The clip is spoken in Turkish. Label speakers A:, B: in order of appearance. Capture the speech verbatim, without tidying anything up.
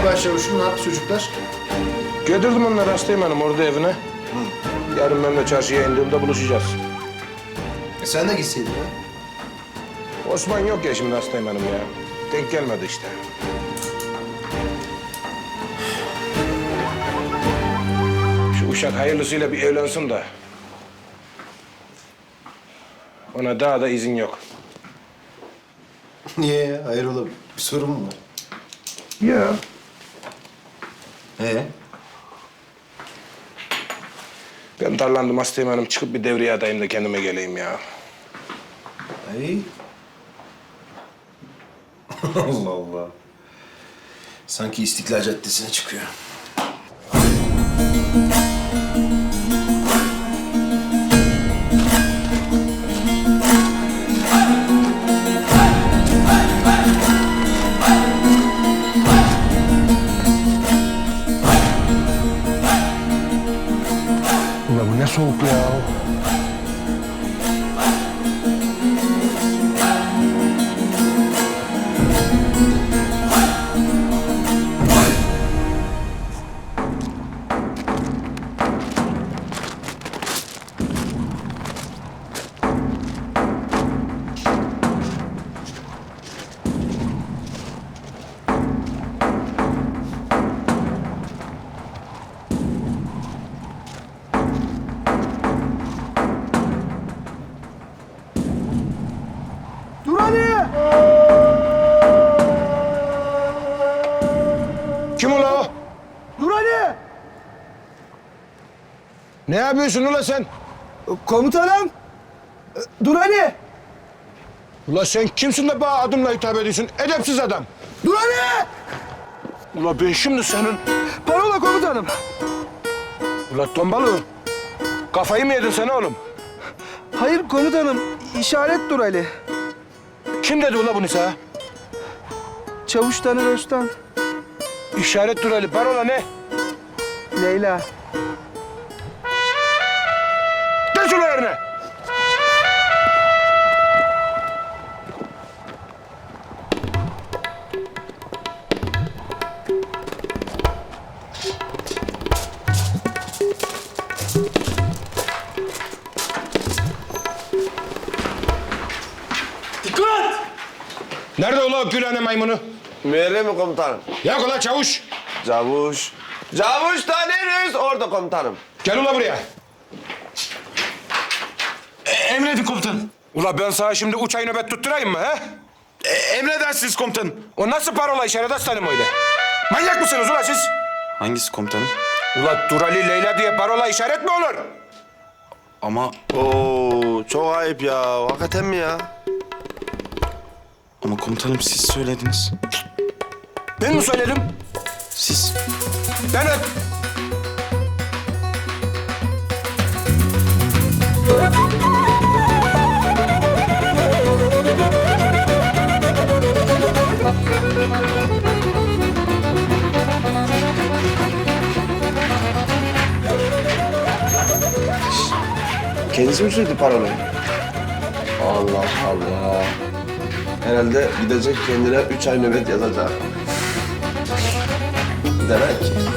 A: başlamışım. Ne yaptı çocuklar?
B: Götürdüm onları hastayım hanım orada evine. Yarın ben de çarşıya indiğimde buluşacağız.
A: E sen de gitseydin ha?
B: Osman yok ya şimdi hastayım hanım ya. Denk gelmedi işte. Şu uşak hayırlısıyla bir evlensin de. Ona daha da izin yok.
A: Niye ya? Hayrola bir sorun mu var?
B: Ya.
A: Ee?
B: Ben darlandım hastayım hanım. Çıkıp bir devreye adayım da kendime geleyim ya.
A: Ay. Allah Allah. Sanki İstiklal Caddesi'ne çıkıyor.
B: Ulan bu ne soğuk ya.
C: Dur Ali!
B: Kim ula o?
C: Dur Ali!
B: Ne yapıyorsun ula sen?
C: Komutanım! Dur Ali!
B: Ula sen kimsin de bana adımla hitap ediyorsun? Edepsiz adam.
C: Dur Ali!
B: Ula ben şimdi senin...
C: Parola komutanım.
B: Ula tombalı. Kafayı mı yedin sen oğlum?
C: Hayır komutanım, işaret dur Ali.
B: Kim dedi ula bunu sana?
C: Çavuş Taner Öztan,
B: İşaret dur Ali. Parola ne?
C: Leyla.
B: Geç ula yerine.
D: Dikkat!
B: Nerede ula o Gülhane maymunu?
E: Müerrem mi komutanım?
B: Yak ula çavuş.
E: Cavuş. Cavuş tanıyoruz orada komutanım.
B: Gel ula buraya.
D: E, emredin komutanım.
B: Ula ben sana şimdi üç ay nöbet tutturayım mı he?
D: E, emredersiniz komutanım.
B: O nasıl parola işaret aslanım öyle? Manyak mısınız ula siz?
D: Hangisi komutanım?
B: Ula Durali Leyla diye parola işaret mi olur?
D: Ama
E: Oo çok ayıp ya. Hakikaten mi ya?
D: ama komutanım siz söylediniz.
B: Ben mi söyledim?
D: Siz.
B: Ben öp.
E: Kendisi mi söyledi parolayı? Allah Allah. Herhalde gidecek kendine üç ay nöbet yazacak. Demek ki.